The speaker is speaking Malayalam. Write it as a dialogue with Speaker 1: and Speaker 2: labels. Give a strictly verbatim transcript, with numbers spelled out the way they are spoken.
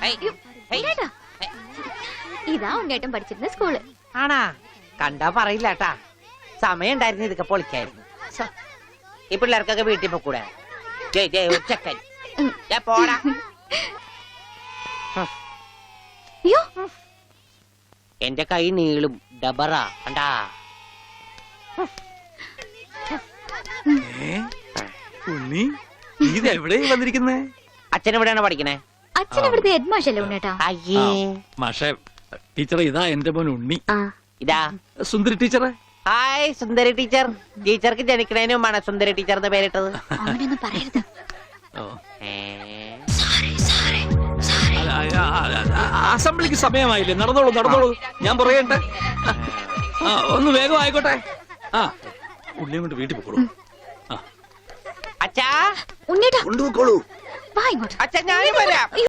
Speaker 1: ഇതാ ഉണ്ണേട്ടൻ പഠിച്ചിരുന്ന സ്കൂള്.
Speaker 2: ആണാ? കണ്ടാ പറയില്ലാട്ടാ, സമയം ഉണ്ടായിരുന്നു ഇതൊക്കെ പൊളിക്കായിരുന്നു. ഈ പിള്ളേർക്കൊക്കെ വീട്ടിൽ പോക്കൂടെ? ചെക്കൻ പോടാ. എന്റെ കൈ നീളും ഡബറ കണ്ടാ.
Speaker 3: ഉണ്ണി, നീ എവിടെ വന്നിരിക്കുന്നേ?
Speaker 2: അച്ഛൻ എവിടെയാണ് പഠിക്കണേ?
Speaker 1: അച്ഛൻ ഇവിടുത്തെ ഹെഡ് മാഷല്ലേ ഉണ്ണേട്ടാ?
Speaker 2: അയ്യേ
Speaker 3: മാഷേ, ടീച്ചറെ ഇതാ എന്റെ മോൻ ഉണ്ണി.
Speaker 2: ഇതാ
Speaker 3: സുന്ദരി ടീച്ചറെ.
Speaker 2: ഹായ് സുന്ദരി ടീച്ചർ. ടീച്ചർക്ക് ജനിക്കണേന് മുമ്പാണ് സുന്ദരി ടീച്ചർ എന്ന് പേരിട്ടത്.
Speaker 1: അങ്ങനെയൊന്നും പറയരുത്.
Speaker 3: അസംബ്ലിക്ക് സമയമായില്ലേ? നടന്നോളൂ നടന്നോളൂ, ഞാൻ പറയട്ടെ. ഒന്ന് വേഗം ആയിക്കോട്ടെ. ആ ഉള്ളിയും കൊണ്ട് വീട്ടിൽ പോക്കോളൂ.
Speaker 2: അച്ഛാ
Speaker 1: ഉണ്ണേട്ടാ
Speaker 3: കൊണ്ടുപോക്കോളൂ.
Speaker 1: വാ ഇങ്ങോട്ട്.
Speaker 2: അച്ഛാ ഞാനും വരാം.